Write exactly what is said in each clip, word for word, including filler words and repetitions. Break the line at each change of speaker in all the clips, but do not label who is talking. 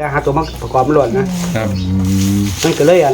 แต่หาตัวมาประกอบมันหล่นนะครับ มันก็เลยอัน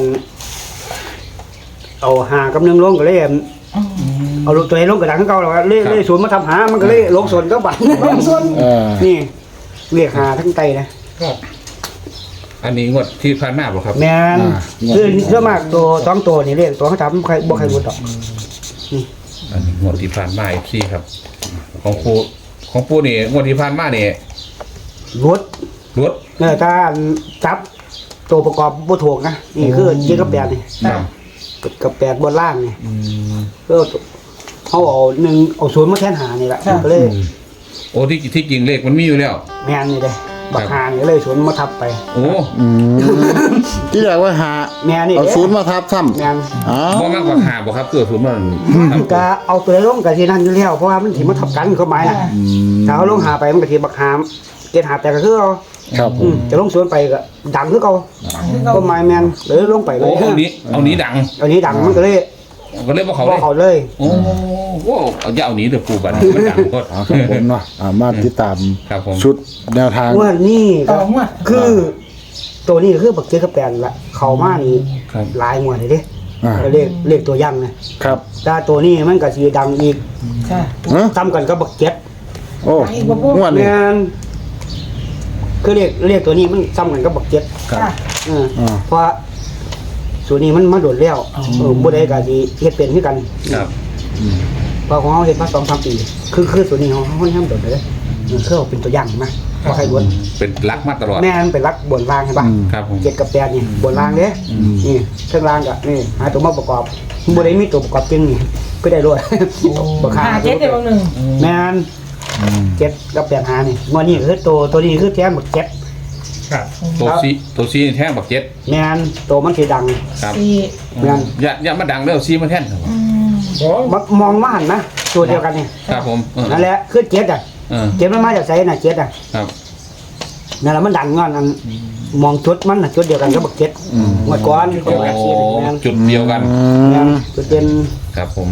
เอาหากำเนิดลงก็เลยเอาลูกตัวเองลงกระดังเก่าแล้วเลยเลยสวนมาทำหามันก็เลยลงส่วนก็บัตรลงส่วนนี่เรียกหาทั้งไตนะ
อันนี้งวดที่ผ่านมาบ่ครับ
แม่นคือเยอะมากตัวสองตัวนี่เรียกตัวเขาทำใครบ่ใครรู้ดอกนี่
อันนี้งวดที่ผ่านมาอีกทีครับของปูของปูนี่งวดที่ผ่านมานี่
รถ
รถ
เออถ้าจับตัวประกอบบ่ถูกนะนี่คือเจ็ดกับแปดนี่กับแปดบนล่างนี่ก็เขาเอาหนึ่งเอาศูนย์มาแทนหานี่แหละก็เลย
โอ้ที่ที่จริงเลขมันมีอยู่แล้ว
แม่นนี่เลยบักหานี่เลยศูนย์มาทับไป
โอ้
ที่เรียกว่าหา
แม่นี่
เอาศูนย์มาทับซ้ำ
แม่น
บ่มากกว่าหาบ่ครับเกิดศูนย์มัน
ก็เอาตัวลงกับที่นั่นอยู่แล้วเพราะว่ามันสิมาทับกันเขาหมายน่ะถ้าเขาลงหาไปมันก็สิบักหามเกณฑ์หาแต่ก็คือเอา
ครับ
จะลงสวนไปก็ดังคือเก่าก็หมายแม่นเลยลงไปเลย
เอานี้เอานี้ดัง
เอานี้ดังมันก็เลย
ก็เลยบ่เขา
เลยเขาเลย
โอ้โหเอาอย่าเอานี้เด้อปูบัดมันดังโคตร
ครับผมเนาะมาติดตามชุดแนวทาง
ว่านี่ก็คือตัวนี้คือบักเจ็ดกับแปดละเขามานี่หลายงวดเลยเด้เรียกเรียกตัวย่ำนะครับแต่ตัวนี้มันก็สิดังอีกซ้ำกันก็บักเจ็ด
โอ้งวดนี้
คือเรียกเรียกตัวนี้มันซ้ำกันก็บักเจ็ดเพราะส่วนนี้มันมาโดดแล้วเออบ่ได้ก็สิเฮ็ดเป็นคือกัน
ครับ
เพราะของเฮาเฮ็ดมา สองถึงสาม ปีคือคือส่วนนี้เฮาเฮาทำโดดเลยมันคือเป็นตัวอย่างมาบ่ใครบ่
เป็นรักมาตลอด
แม่นเป็นรักบนล่างใช่ป่ะ
ครับผม
เจ็ดกับแปดนี่บนล่างเด้นี่ข้างล่างก็นี่หาตัวมาประกอบบ่ได้มีตัวประกอบจริงนี่ก็ได้รวย
บ่ค่าเจ็ดได้บางนึง
แม่นเจ็ดกับแปดหานี่งวดนี้คือตัวตัวนี้คือแท้หมดเจ็ด
ครับตัวซีตัวซีแท่งบักเจ็ด
แม่นตัวมันสิดัง
ครับ
แม่น
อย่าอย่ามาดังเด้อซีมันแท่นครับ
มองมาหันนะตัวเดียวกันนี่
ครับผม
นั่นแหละคือเจ็ดอ่ะเจ็ดมันมาจากไสน่ะเจ็ดอ่ะ
ครับ
นั่นแหละมันดังงอนอันมองจุดมันน่ะจุดเดียวกันกับบักเจ็ดเมื่อก่อน
จุดเดียวกัน
จุดเป็น
ครับผม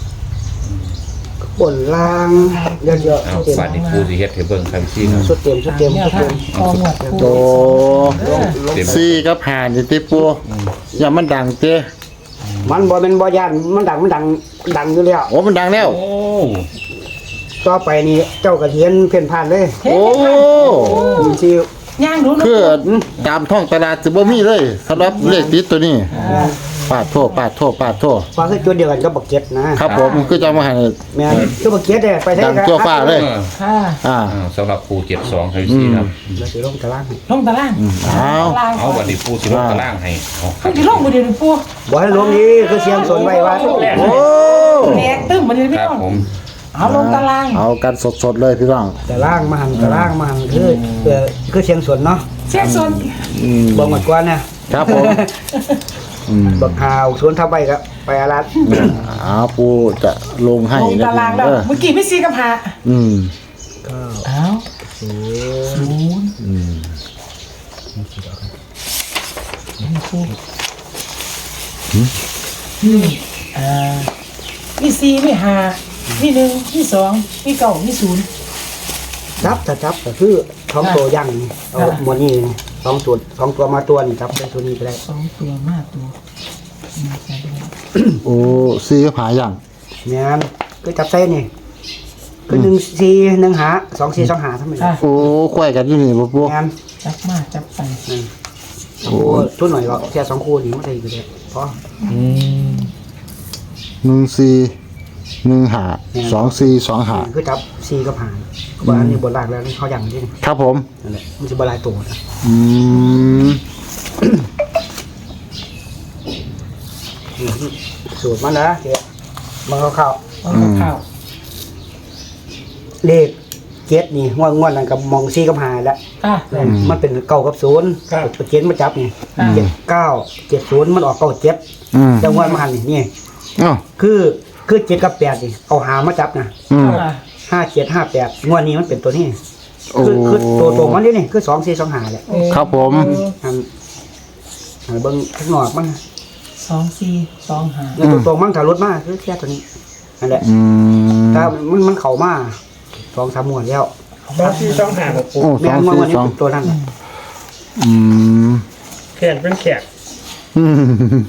บนล่างเยอะๆ
เอาฝาดนี่ปูสิเฮ็ดให้เบิ่งครับซี่ครับ
สุดเต็มสุดเต็มสุดเต็ม
โตซี่กับหานี่ติปูอย่ามันดังเต้
มันบ่เป็นบ่ย่านมันดังมันดังดังอยู่แล้ว
โอ้มันดังแล้ว
โอ้
ต่อไปนี่เจ้ากระเทียนเพ่นผ่านเลย
โอ้
สิ
ย่างรู้
คือตามท้องตลาดสิบ่มีเลยสำหรับเลขติดตัวนี้ปาดโทษปาดโทษปาดโทษ
ฟ้าคือจุดเดียวกันกับบักเก็ตนะครับ
ผมคือจะมาให้
แม่คือบักเก็ตเนี่ยไปได้
กันตัวฟ้าเลย
ค่ะ
อ่า
สำหรับปูเจ็ดสองครับซี่ครับ
แล้วสิลงตาราง
ลงตาราง
เอา
เอาบัดนี้ปูสิลงตารางให้
เอาสิลงบ่เดี๋ยวปู
บ่ให้ลงนี้คือเสียงสนไว้ว่า
โอ้
แตกตึ้มบ่เดี๋ยวพี่น้องเอาลงตาราง
เอากันสดๆเลยพี่น้อง
ตารางมาหันตารางมาหันคือคือเสียงสนเนาะ
เสียงสน
บ่หมดกว่านะครับ
ผม
บักหาวสวนทับไปก็ไปอารัด
อ้าวปูจะลงให้
นะตารางแล้วเมื่อกี้ไม่ซีกับหา
อืม
ก็
อ้าวศูนย์
อืม
นี่อ่ามีสี่มีห้ามีหนึ่งมีสองมีเก้ามีศูนย์
จับจะจับก็คือท้องตัวยังเอาหมดนี่สองตัวสองตัวมาตัวนี่จับได้ตัวนี้ไปได้
สองตัวมาตัว
โอ้ซีก็ผาอย่าง
เนี่ยก็จับเส้นนี่ก็หนึ่งซีหนึ่งหาสองซีสองหาทำไม
โอ้ควายกันที่นี่ปุ๊บปุ๊บ
จับมาจับไป
โอ้ชุดหน่อยก็แค่สองคู่นี่ไม่ได้ก็ได้เพราะ
หนึ่งซีหนึ่งหาสองซีสองหา
คือจับซีก็ผ่านบ้านนี้บนหลักแล้วเขาอย่างนี้
ครับผม
นั่นแหละมันจะบลายตัวนะ
อืม
สูตรมันนะเจ๊มันเข้าเข้า
เข้า
เลขเจ็ดนี่งวดงวดนั่นกับมองซีกับหาแล้วมันเป็นเก้ากับศูนย์เจ็ดมาจับนี่เจ็ดเก้าเจ็ดศูนย์มันออกเก้าเจ็ดจังหวะมันหันนี่คือคือเจ็ดกับแปดนี่เอาหามาจับนะห้าเจ็ดห้าแปดงวดนี้มันเป็นตัวนี้คือคือตัวตัวมันนี่นี่คือสองสี่สองหาแหละ
ครับผม
อันเบิ้งข้างนอกมัน
สองสี่สองหา
แล้วตัวตัวมันถ้ารถมากคือแค่ตัวนี้นั่นแหละถ้ามันมันเข่ามาสองสามหมวดแล้ว
สองสี่สองหาโอ้
แม่งวันนี้ตัวนั้น
อืม
แขนเป็นแขก
อืม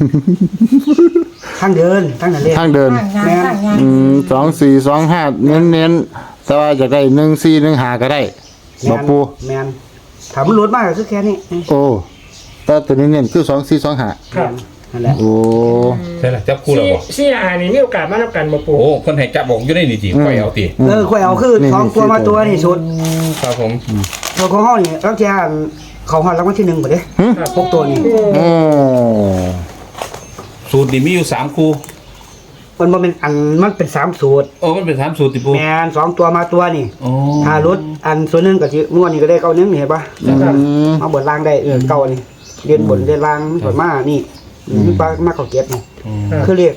ทางเดินทางนั้นเลย
ทางเดิน
ข้างงานข้างงาน
อืมสองสี่สองห้าเน้นเน้นๆแต่ว่าจะได้หนึ่งสี่หนึ่งห้าก็ได้บ่ปู
แมนถามมันรวดมากก็คือแค่นี้
โอ้แต่ตัวนี้เน้นคือสองสี่สองห้า
ครับ
นั่นแหละ
โอ้
ใช่ละจับคู่แล้วบ่
ซี่อ่านนี่มีโอกาสมาแล้วกันบ่ปู
โอ้คนให้จับบอกอยู่ในนี่จีค่อยเอาตี
เออค่อยเอาคือสองตัวมาตัวนี่สุด
ครับผม
ตัวของห้องนี่แล้วแค่เขาหันรางวัลที่หนึ่งหมดเลยพวกตัวนี่
โอ้
สูตรนี่มีอยู่สามคู่
มันบ่เป็นอันมันเป็นสามสูตร
โอ้มันเป็นสามสูตรติปู
แมนสองตัวมาตัวนี่
โอ้
ถ้ารถอันส่วนหนึงก็สิงวดนี้ก็ได้เก้าหนึงนี่เห็นปะ
อืม
มาบนล่างได้เออเก้านี่เรียนบนเรียนล่างบนมานี่นี่ปลามาเขาเก็บนี่คือเรียก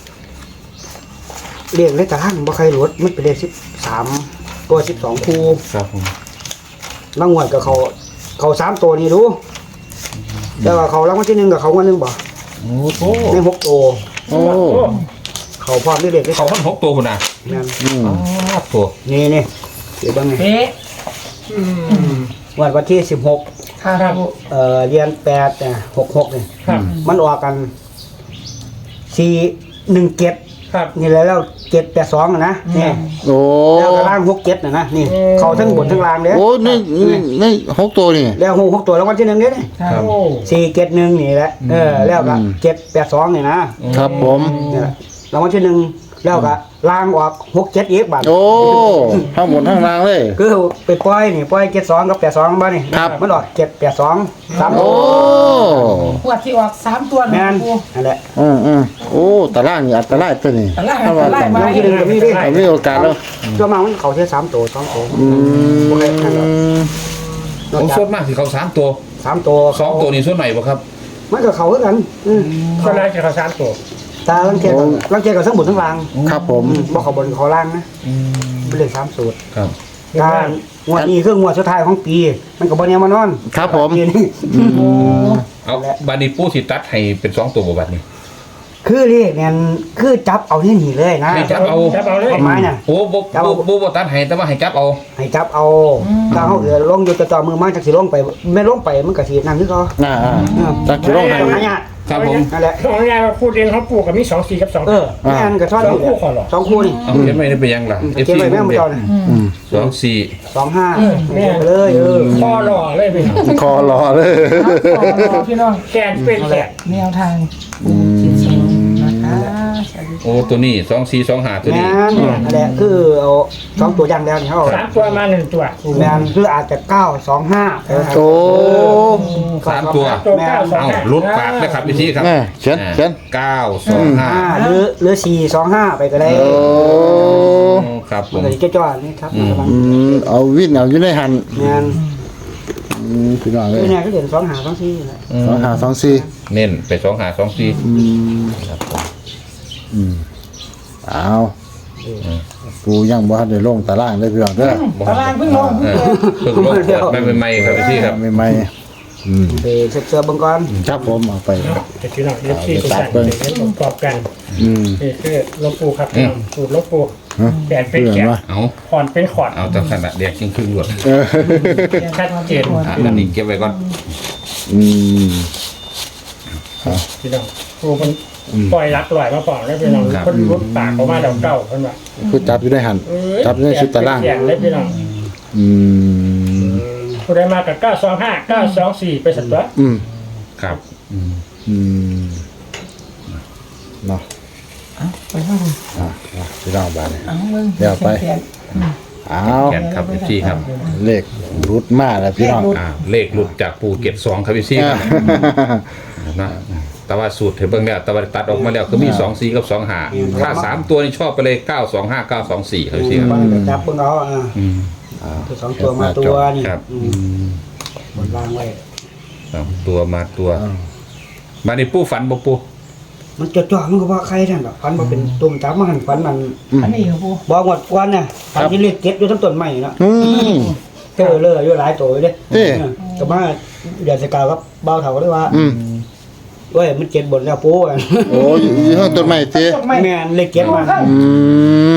เรียกเลขตารางบ่ใครรถมันเป็นเลขสิบสามตัวสิบสองคู่
ครับผม
รางวัลกับเขาเขาสามตัวนี่รู้แต่ว่าเขารางวัลที่หนึ่งกับเขาวันหนึ่งบ่
โอ้โห
ในหกตัว
โอ้
เขาพร้อมด้วยเด็กได้
เขาคนหกตัวคุณนะ
นั่น
อืม
อ้าวตัว
นี่นี่เดี๋ยวบ้างไง
เป๊ะอืม
วันวันที่สิบหก
ครับ
เอ่อเรียนแปดเนี่ยหกหกเนี่ย
ครับ
มันออกกันสี่หนึ่งเจ็ด
ครับ
นี่แหละแล้วเจ็ดแปดสองนะนี่
โอ้
แล้วก็ล่างหกเจ็ดนะนะนี่
อืม
เขาทั้งบนทั้งล่างเลย
โอ้นี่นี่นี่หกตัวนี่
แล้วหกหกตัวแล้ววันที่หนึ่งเนี่ยนี่
ครับโอ้
สี่เจ็ดหนึ่งนี่แหละเออแล้วก็เจ็ดแปดสองนี่นะครับ
ผม
นี่แหละรางวัลที่หนึ่งแล้วก็ล่างออกหกเจ็ดอีกบาท
โอ้ทั้งหมดทั้งรางเลย
คือไปปล่อยนี่ปล่อยเจ็ดสองกับแปดสองบ้านนี่
ครับ
มันออกเจ็ดแปดสองสาม
โอ้
ขวดที่ออกสามตัว
แม
นะ
น
ปู
นั่นแหละ
อืมอืมโอ้ตารางนี่อันตรายตัวนี้
ตะล่าง
ถ้าว่า
ตะล่าง
กัน
ไว้
ที่หนึ่งก็มีดิ
เอามีโอกาสแล้ว
ตัวมามันเขาแค่สามตัวสองตัว
อื
บ่ได้นั่นหรอก
ม
นอก
ผม
จาก
ส่วนมากที่เขาสามตัว
สามตัว
สองตัวนี่ส่วนไหนบ่ครับ
มันก็เขาคือกันอืม
ก็น่าจะเขาสามตัว
ตาลังเทียกับลังเทียกับทั้งบนทั้งล่าง
ครับผม
อืมบ่เขาบนเขาล่างนะเป็นเลขสามสูตร
ครับ
การงวดนี้คืองวดสุดท้ายของปี มันก็บ่แน่มานอน
ครับผม
ปีนี้
เอาบาดนีปูสิตัดให้เป็นสองตัวบ่บัดนี้
คือเลขเนี่ยคือจับเอาที่นี่เลยนะ
ให้จับเอา
จับเอาเลย
เอาไม้น่ะ
โอ้บ่บ่บ่บ่ตัดให้แต่ว่าให้จับเอา
ให้จับเอาถ้าเขาเอือลงอยู่ต่อมือมาจากสิลงไปไม่ลงไปมันก็สินั่นคือเขา
อ่าอ่าจักสิลงให้
ต้องหายาก
ครับผม
นั่นแหละ
ของงานมาพูดเองเขาปลูกกับมีสองสี่กับสอง
เออแม่นก็ทอดอยู่
สองคู่ขอเหรอ
สองคู่นี่
เอาเขียนไว้ได้เป็นยังล่ะ
เขียนไว้แม่มาเจ้าน่ะ
อืม
สองสี่
สองห้า
แม่
ไปเลยเออ
คอหล่อเลยพี่น้อง
คอรอเลย
คอหล่อพี่น้องแขนเป็นแขนแนวทาง
อืม
นะคะสวัสดี
โอ้ตัวนี้สองสี่สองห้าตัว
แม่
นี้
นนั่นแหละคือเอาสองตัวอย่างแล้วนี่เขา
สามตัวมาหนึ่งตัว
แม่นคืออาจจะเก้าสองห้า
โอ้
สามตัว
ตัวเก้าสอง
เอา
ห้า
ลุดปากนะครับพี่ทีครับ
แม่เขียนเขียน
เก้าสองห้า
ห้าหรือหรือสี่สองห้าไปก็ได้
โอ้
ครับผ
มัน
ม
ก็จะจ้อๆนี่ครับ
อืม
อืมเอาวินเอาอยู่ในหัน
แม่น
อืมพี่น้องเล
คื
ย
อเนี่ยก็เด่นสองหาสองสี่นั่นแหละ
สองห้าสองสี่
เน้นไปสองห้าสองสี่
อืม
ครับผม
อืมเอาปูยังบ่ทันได้ลงตารางเลยพี่น้องเด้อ
ตารางเพิ่งลง
เออเพิ่งลงเปิดไม่ใหม่ๆครับพี่ทีครับ
ไม่ไม่อืม
ไปเสิร์ฟเสิร์ฟเบิ่งก่อน
ครับผมเอาไป
จะพี่น้องเรียบที่ตัวสั่นเดี๋ยวประกอบกัน
อืม
นี่คือลบปูครับพี่น้องสูตรลบปู
ฮะ
แขนเป็น
เพื่อ
แข
น
น
วะ
เอา
ขอนเป็นขอน
เอาตั้งขนาดเดียกชิงครึ่งหลวด
เออ
ชัดเจน
อ่ะอันนี้เก็บไว้ก่อน
อืม
พี่น้องครูมันปล่อยรักลอยมาปล่อยแล้วพี่น้องคนรุดปากออกมาเดาเก่าเพิ่นว่า
คือจับอยู่ในหัน
เอ้ย
จับอยู่ในชุดตาราง
แขนเลยพี่น้อง
อืม
ผู้ใดมากับเก้าสองห้า เก้าสองสี่ไปสัตว์ตัว
อืม
ครับ
อืมเนาะ
ไปห้อง
อ่ะอ่ะพี่น้องบ้านเนี่ย
เอาเบิ่ง
เดี๋ยวไป เอา
แขนครับพี่ทีครับ
เลขรุดมาแล้วพี่น้อง
อ่าเลขหลุดจากภูเก็ตสองครับพี่ทีครับนะแต่ว่าสูตรเถเบิ้งแล้วแต่ว่าตัดออกมาแล้วก็มีสองสี่กับสองห้าถ้าสามตัวนี่ชอบไปเลยเก้าสองห้าเก้าสองสี่ครับพี่ทีครับ
จับเบิ่งเอาอ่า
อืม
คือสองตัวมาตัวนี่
ครับ
อืมบนล่างไว้
สองตัวมาตัวมาในปูฝันบ่ปู
มันจะจ่อมันก็ว่าใครท่านแบบฟันมาเป็นตุ่มจับมาหันฟันมัน
อันนี้ครับผู้
บอกหมดกวนน่ะฟันที่เรียกเก็บอยู่ทั้งต้นไม้เนาะ
อืม
เจอเลยอยู่หลายตัวเลย
เอ๊ะ
ก็มาเดือนสกาวครับเบาเถาเลยว่า
อืม
เว้ยมันเจ็ดบนแล้วปูอ่ะ
โอ้ยอยู่ข้างต้นไม้เจ๊
แม่นเลยเก็บมา
อืม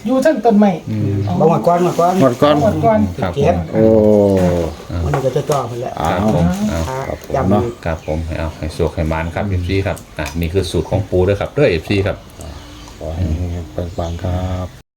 อยู่ทั้งต้นไม้
บางวันก่อนมาก่อน
หมดก่อน
หมดก่อน
ครับผ
เจ็ด
ม
โอ้
มันก็จะจ่อมันแหละ
ครับผมเอา
ย้ำ
เนาะ
อีก
ครับผมให้เอาให้สวกให้มานครับเอฟซีครับอ่ะนี่คือสูตรของปูด้วยครับด้วยเอฟซีครับ
ขอให้ปังๆครับ